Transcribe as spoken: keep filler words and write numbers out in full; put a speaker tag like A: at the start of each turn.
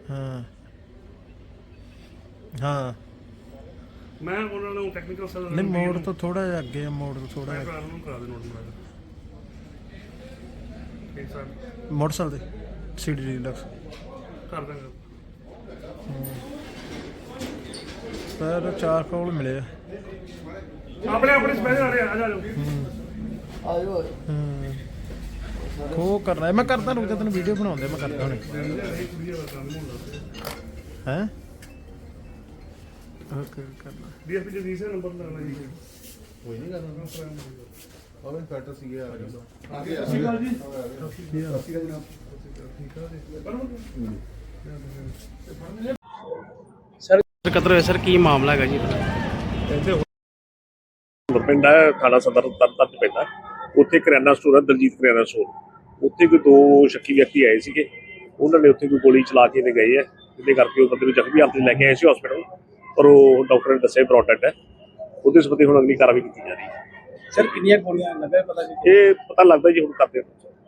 A: ਹਾਂ ਹਾਂ
B: ਮੈਂ ਉਹਨਾਂ ਨੂੰ ਟੈਕਨੀਕਲ ਸਰ
A: ਨਹੀਂ ਮੋੜ ਤੋਂ ਥੋੜਾ ਜਿਹਾ ਅੱਗੇ ਆ, ਮੋੜ ਤੋਂ ਥੋੜਾ
B: ਮੈਂ
A: ਜਿਹਾ
B: ਭਰਾ ਨੂੰ ਕਰਾ ਦੇ ਨੋਟ ਮੈਂ ਠੀਕ ਸਰ
A: ਮੋਟਰਸਾਈਕਲ ਤੇ ਸੀਡੀ ਡੀਲਕਸ
B: ਕਰ ਦਾਂਗਾ।
A: ਪਰ ਚਾਰ ਕੋਲ ਮਿਲੇ ਆ।
B: ਆਪਣੇ ਆਪਣੇ ਸਪੈਸ਼ਲ ਆ ਰਹੇ ਆ ਜਾ ਜਾਓ
C: ਆਜੋ
A: ਹੂੰ ਖੋ ਕਰਨਾ ਮੈਂ ਕਰਦਾ ਰੁਕ ਜਾ ਤੈਨੂੰ ਵੀਡੀਓ ਬਣਾਉਂਦੇ ਮੈਂ ਕਰਦਾ ਹੁਣੇ ਹੈ ਓਕੇ ਕਰਨਾ
B: ਡੀਐਸਪੀ ਜੀ ਰੀਸਰ ਨੰਬਰ ਲੱਗਣਾ ਜੀ
C: ਕੋਈ ਨਹੀਂ ਕਰਨਾ ਉਹ ਇਨਫੈਕਟਰ ਸੀਗੇ ਆ ਗਿਆ ਆ ਗਿਆ
B: ਠੀਕ ਆ ਜੀ
C: ਸੀਗਾ ਜਨਾਬ
D: ਸਰ ਕਤਲ ਹੋਇਆ ਸਰ ਕੀ ਮਾਮਲਾ ਹੈਗਾ ਜੀ?
E: ਪਿੰਡ ਹੈ ਥਾਣਾ ਸਦਰ ਤਰਨਤਾਰਨ ਪੈਂਦਾ। ਉੱਥੇ ਕਰਿਆਨਾ ਸਟੋਰ ਹੈ ਦਲਜੀਤ ਕਰਿਆਨਾ ਸਟੋਰ। ਉੱਥੇ ਕੋਈ ਦੋ ਸ਼ੱਕੀ ਵਿਅਕਤੀ ਆਏ ਸੀਗੇ, ਉਹਨਾਂ ਨੇ ਉੱਥੇ ਕੋਈ ਗੋਲੀ ਚਲਾ ਕੇ ਤੇ ਗਏ ਹੈ, ਜਿਹਦੇ ਕਰਕੇ ਉਹ ਬੰਦੇ ਨੂੰ ਜ਼ਖਮੀ ਹਾਲਤ ਲੈ ਕੇ ਆਏ ਸੀ ਹਸਪੀਟਲ, ਪਰ ਉਹ ਡਾਕਟਰ ਨੇ ਦੱਸਿਆ ਬਰੋਡ ਡੈਡ ਹੈ। ਉਹਦੇ ਸੰਬੰਧੀ ਹੁਣ ਅਗਲੀ ਕਾਰਵਾਈ ਕੀਤੀ ਜਾ ਰਹੀ ਹੈ।
D: ਸਰ ਕਿੰਨੀਆਂ ਗੋਲੀਆਂ ਲੱਗਾ ਪਤਾ ਜੀ?
E: ਇਹ ਪਤਾ ਲੱਗਦਾ ਜੀ ਹੁਣ ਕਰਦੇ ਹਾਂ।